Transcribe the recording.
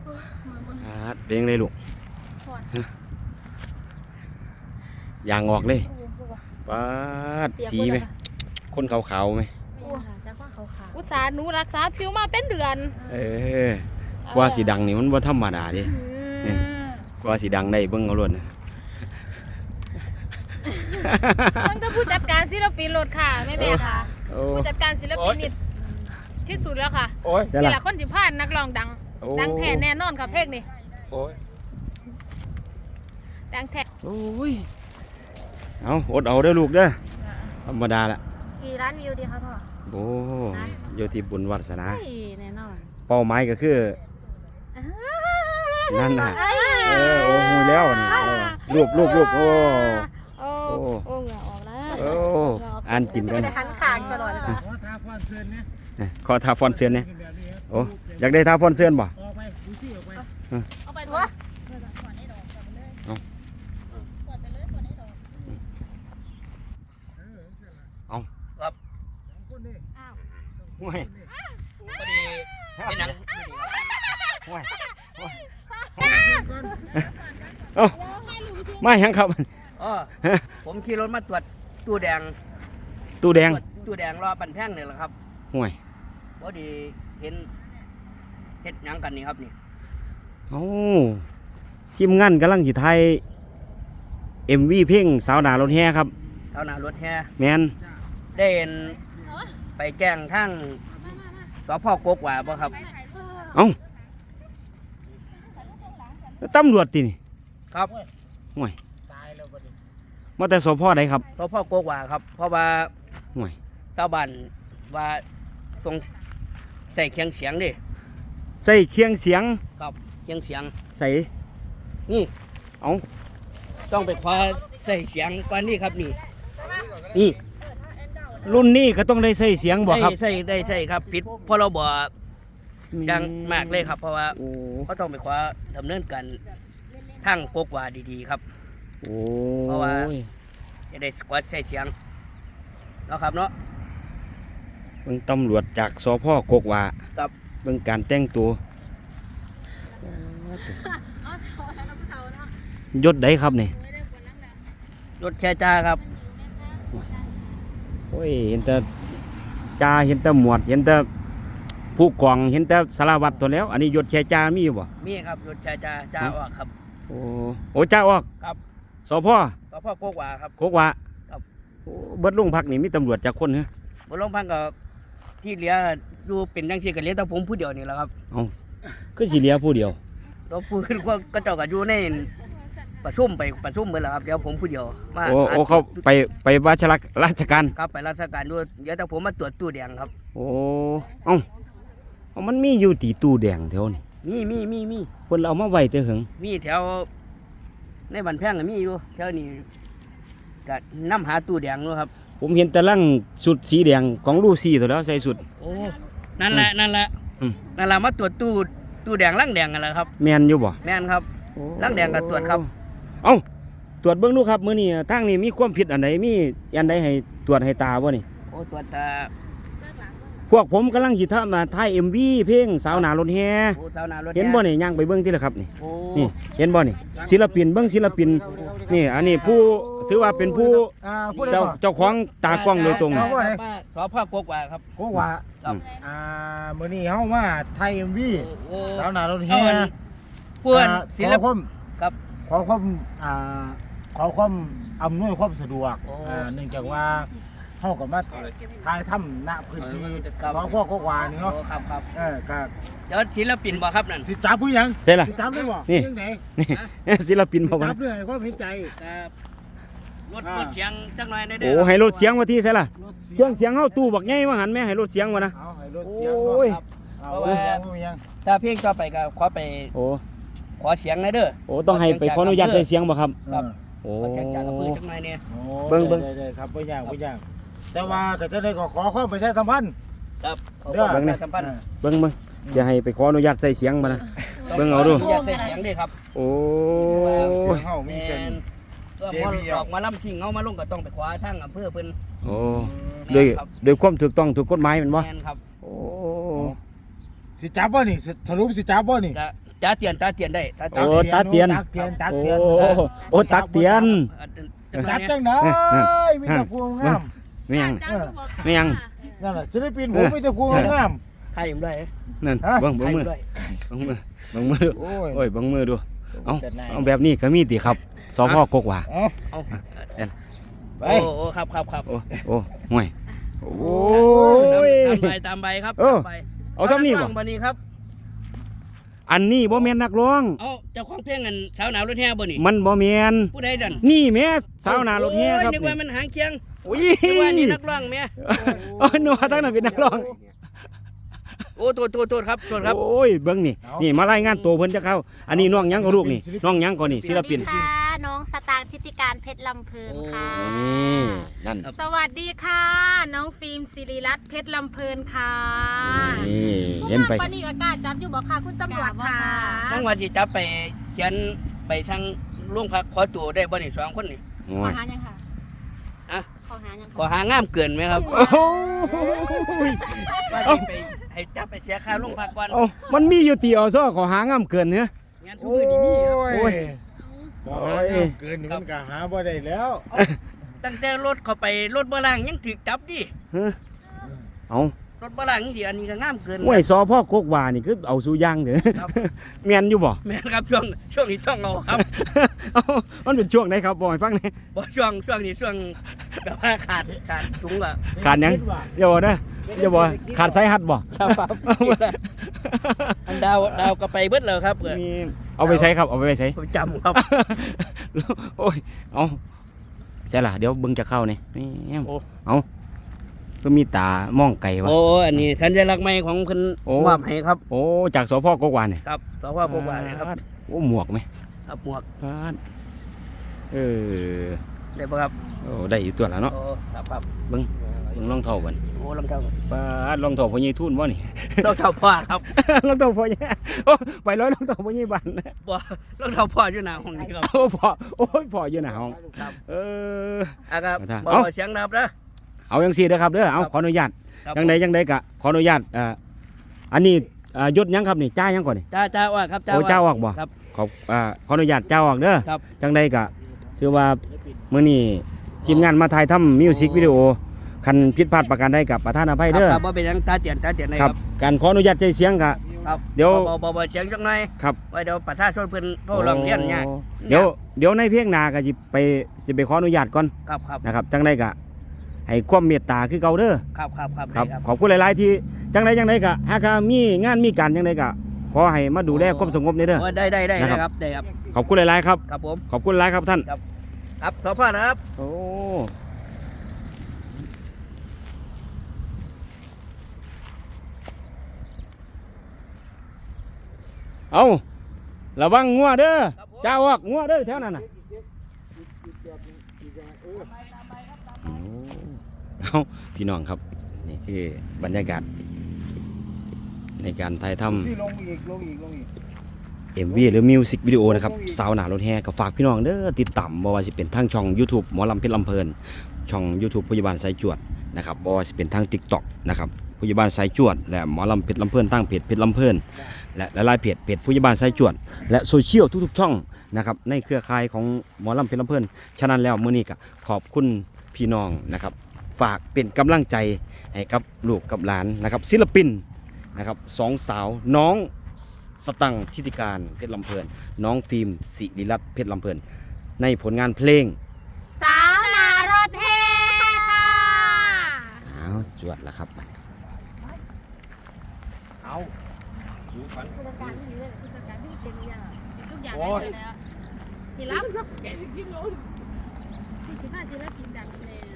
เลี้ยงเลยลูกยางออกเลยปาดสีไหมคนขาวๆไหมอุตส่าห์หนูรักษาผิวมาเป็นเดือนกว่าสีดังนี่มันว่าธรรมดาดิกว่าสีดังได้เบิ่งเอาล้วนมันก็ผู้จัดการศิลปินรถค่ะแม่ค่ะผู้จัดการศิลปินนี่ที่สุดแล้วค่ะนี่แหละคนสิพานนักร้องดังแท้แน่นอนค่ะเพลงนี่ดังแท้เอาอดเอาเด้อลูกเด้อธรรมดาละกี่ล้านวิวดีคะพ่อโอ้โยที่บุญวัฒนาแน่นอนเป้าหมายก็คือนั่นน่ะโอ้หูแล้วนี่รูปโอ้เหงื่อออกแล้วอ่านกินกันหันขางตลอดเลยค่ะขอทาฟอนเซินเนี่ยโอ้อยากได้ทาฟอนเซินบ่เอาไปตัวเอาครับห่วยพอดีเป็นหนังห่วยเอ้าไม่ยังครับผมขี่รถมาตรวจตู้แดงรอปั่นแท่งนี่แหละครับห่วยพอดีเห็นเฮ็ดหนังกันนี่ครับนี่ทีมงานกำลังสิถ่าย MV เพลงสาวหน้ารถแห่ครับสาวหน้ารถแห่แม่นได้ไปแจ้งทางสพ.กกว่าบ่ครับตำรวจตินี่ครับห่วยมาแต่สพ.ใดครับสพ.กกว่าครับเพราะว่าห่วยชาวบ้านว่าส่งใส่เคียงเสียงดิใส่เคียงเสียงครับเคียงเสียงใส่นี่ต้องไปคว้าใส่เสียงกว่านี้ครับนี่รุ่นนี้ก็ต้องได้ใส่เสียงบ่ครับได้ใส่ครับผิดเพราะเราบ่ดังมากเลยครับเพราะว่าเขาต้องไปคว้าดำเนินการทางกกว่าดีๆครับเพราะว่าจะได้กวาดใส่เสียงแล้วครับเนาะเบิ่งตำรวจจากสพ.กกว่าครับเบิ่งการแต่งตัวยศใดครับนี่ยศแค่จ่าครับโอ้ยเห็นแต่จ่าเห็นแต่หมวดเห็นแต่ผู้กองเห็นแต่สารวัตรตัวแล้วอันนี้ยศแค่จ่ามีอยู่บ่มีครับยศแค่จ่าออกครับโอ้จ่าออกครับสพ. กกว่าครับกกว่าครับเบิดโรงพักนี่มีตำรวจจักคนเหรอเบิดโรงพักก็ที่เหลืออยู่เป็นจังซี่ก็เหลือแต่ผมผู้เดียวนี่แหละครับคือสิเหลือผู้เดียวเราพูดก็เจ้าก็อยู่ในประชุมเบิดแล้วครับเดี๋ยวผมผู้เดียวมาเขาไปราชการครับไปราชการด้วยเดี๋ยวแต่ผมมาตรวจตู้แดงครับมันมีอยู่ตีตู้แดงแถวนี่มีเพิ่นเอามาไว้แต่หึงมีแถวในบ้านแพงก็มีอยู่แถวนี้ก็นำหาตู้แดงด้วยครับผมเห็นแต่ลังสุดสีแดงของลูซี่ตัวแล้วใส่สุดนั่นแหละมาตรวจตู้แดงลังแดงกันแหละครับแม่นอยู่บ่แม่นครับลังแดงก็ตรวจครับตรวจเบิ่งดูครับมื้อนี้ทางนี้มีความผิดอันใดมีอันใดให้ตรวจให้ตาบ่นี่ตรวจตาพวกผมกำลังสิถ่าย MV เพลงสาวหน้ารถแห่เห็นบ่นี่ย่างไปเบิ่งติล่ะครับนี่เห็นบ่นี่ศิลปินเบิ่งศิลปินนี่อันนี้ผู้ถือว่าเป็นผู้เจ้าของตากล้องโดยตรงสพ.กกว่าครับกกว่ามื้อนี้เฮามาถ่าย MV สาวหน้ารถแห่เพื่อนศิลปินครับขอความอำนวยความสะดวกเนื่องจากว่าเฮาก็มาถ่ายทำณพื้นที่สพ.กกว่านี่เนาะครับครับเดี๋ยวศิลปินบ่ครับนั่นสิจับผู้หยังใช่ล่ะสิจับได้บ่นี่ศิลปินบ่จับเลยความเห็นใจครับรถเสียงจักหน่อยได้เด้อให้รถเสียงว่าที่ใช่ล่ะเครื่องเสียงเฮาตู้บักใหญ่ว่าหั่นแม่ให้รถเสียงว่านะให้รถเสียงโอ้ยถ้าเพลงต่อไปก็ขอไปขอเสียงหน่อยเด้อต้องให้ไปขออนุญาตใส่เสียงบ่ครับเสียงจากอำเภอจักหน่อยเนี่ยเบิ่งได้ครับบ่ยากแต่ว่าก็จะได้ขอความประชาสัมพันธ์ครับเบิ่งนี่เบิ่งจะให้ไปขออนุญาตใส่เสียงมานะเบิ่งเอาดูอยากใส่เสียงดิครับเฮามีเช่นออกมาล่ำชิงเอามาลงก็ต้องไปคว้าทางอำเภอเพิ่นโดยความถูกต้องถูกกฎหมายแม่นบ่แม่นครับสิจับบ่นี่สรุปสิจับบ่นี่ตาเตียนได้ตาเตียนโอ้ตาเตียนตักเตียนตักโอ้เตียนโอ้ตักเตียนตักจังได๋มีแต่พวงงามไม่ยังจ้างทุกบอกไม่ยังนั่นน่ะศิลปินผมมีแต่พวงงามใครอยู่ได้นั่นฮะเบิ่งมือด้วยเบิ่งมือเบิ่งมือดูโอ้ยโอ้ยเบิ่งมือดูเอาแต่นายเอาแบบนี้ก็มีติครับสพกกว่าเอาเอาไปโอ้ครับโอ้โอ้ห่วยโอ้ยตามใบครับเออตามใบเอาซ้ำนี่บ่บันนี้ครับอันนี้บ่แม่นนักร้องเอาเจ้าของเพลงกันสาวหนาวรถแห่บ่นี่มันบ่แม่นผู้ใดดันนี่แม่สาวหน้ารถแห่ครับโอ้ยนึกว่ามันหางเคียงโอ้ยนึกว่านี่นักร้องแม่โอ้ยนัวตั้งนั้นเป็นนักร้องโอ้โทษครับครับโอ้ยเบิ่งนี่นี่มารายงานตัวเพิ่นจะเข้าอันนี้น้องหยังก็ลูกนี่น้องหยังก็นี่ศิลปินค่ะน้องสตางค์ทิติการเพชรลำเพลินค่ะนี่นั่นสวัสดีค่ะ น้องฟิล์มศิริรัตน์เพชรลำเพลินค่ะนี่ผู้เห็นไปว่าปานีอากาศจับอยู่บอกค่ะคุณตำรวจค่ะต้องว่าสิจับไปเขียนไปสั่งโรงพักขอตัวได้บ่นี่สองคนนี่โอ้ขอย หายังค่ะอะขอหายังขอหางามเกินไหมครับโอ้ยว่าสิไปให้จับไปเสียค่าโรงพักก่อนเอ้ามันมีอยู่ตีอซอขอหางามเกินเนื้องานทุกมื้อนี้มีครับโอ้ยโอ้ยเกินนี่มันก็หาบ่ได้แล้วตั้งแต่รถเข้าไปรถบ่ล่างยังถูกจับดิเฮ้อเอารถบ่ล่างนี่ดิอันนี้ก็งามเกินห้วยสอพ่อกกว่านี่คือเอาสู่ย่างเด้อครับแม่นอยู่บ่แม่นครับช่วงนี้ช่วงเราครับเอ้ามันเป็นช่วงไหนครับบ่ให้ฟังหน่อยบ่ช่วงนี้ช่วงแบบว่าขาดสูงอ่ะขาดหยังอย่าบ่เด้ออย่าบ่ขาดสายฮัดบ่ครับอันดาวก็ไปเบิดแล้วครับมีเอาไปใช้ครับเอาไปใช้ผมจำครับโอ้ยเอาใช่ล่ะเดี๋ยวเบิ่งจะเข้านี่นี่โอ้เอาก็มีตามองไก่วะโอ้อันนี้สัญลักษณ์ใหม่ของเพิ่นโอ้มอบให้ครับโอ้จากสพกกวานเนี่ยครับสพกว่าเนี่ยครับโอ้หมวกไหมครับหมวกเออได้ป่ะครับโอ้ได้อยู่ตัวแล้วเนาะโอ้ครับเบิ่งรองเท้ากันโอ้รองเท้าป้ารองเท้าพ่อใหญ่ทุ่นบ่นี่รองเท้าพ่อครับรองเท้าพ่อใหญ่โอ้ไปร้อยรองเท้าพ่อใหญ่บ้านนะบ่รองเท้าพ่ออยู่หน้าห้องนี้ครับโอ้พ่อโอ้ยพ่ออยู่หน้าห้องครับเออครับเอาบ่เสียงดับเด้อเอาจังซี่เด้อครับเด้อเอาครับขออนุญาตครับจังใดกะขออนุญาตอันนี้ยศหยังครับนี่จ้าหยังก่อนนี่จ้าว่าครับโอ้เจ้าออกบ่ครับขออนุญาตเจ้าออกเด้อครับจังใดกะถือว่ามื้อนี้ทีมงานมาถ่ายทำมิวสิกวิดีโอคันผิดพลาดประการใดกับประธานอภัยเด้อครับบ่เป็นหยังตาเตียนได้ครับการขออนุญาตใจเสียงกะครับเดี๋ยวบ่เสียงจังหน่อยครับไว้เดี๋ยวประชาชนเพิ่นโทรร้องเรียนยากเดี๋ยวในเพลงหน้าก็สิไปขออนุญาตก่อนครับนะครับจังใดกะให้ความเมตตาคือเก่าเด้อครับครับขอบคุณหลายๆที่จังใดกะหากมีงานมีการจังใดกะขอให้มาดูแลความสงบในเด้อโอ้ได้นะครับครับได้ครับขอบคุณหลายๆครับครับผมขอบคุณหลายครับท่านครับสพนะครับโอ้เอาระวังงัวเด้อเจ้าออกงัวเด้อแถวนั้นน่ะเอาพี่น้องครับนี่คือบรรยากาศในการถ่ายทำที่ลงอีก MV หรือมิวสิกวิดีโอนะครับสาวหนารถแห่ก็ฝากพี่น้องเด้อติดตามบ่ว่าสิเป็นทางช่อง YouTube หมอลำเพชรลำเพลินช่อง YouTube พยาบาลสายจวดนะครับบ่ว่าสิเป็นทาง TikTok นะครับพยาบาลสายจวดและหมอลำเพชรลำเพลินตั้งเพจเพชรลำเพลินและหลายๆเพจพยาบาลสายจวดและโซเชียลทุกๆช่องนะครับในเครือข่ายของหมอลำเพชรลำเพลินฉะนั้นแล้วมื้อนี้ก็ขอบคุณพี่น้องนะครับฝากเป็นกำลังใจให้กับลูกกับหลานนะครับศิลปินนะครับสองสาวน้องสตังค์ทิติการเพชรลำเพลินน้องฟิล์มศิริรัตน์เพชรลำเพลินในผลงานเพลงสาวนารถแห่ค่ะเอาจวดแล้วครับเอาดูฝันผู้จัดการที่เลยผู้จัดการที่เก่งอย่างทุกอย่างได้เลยแล้วนี่รับที่สิบห้าศิลปินดังเลย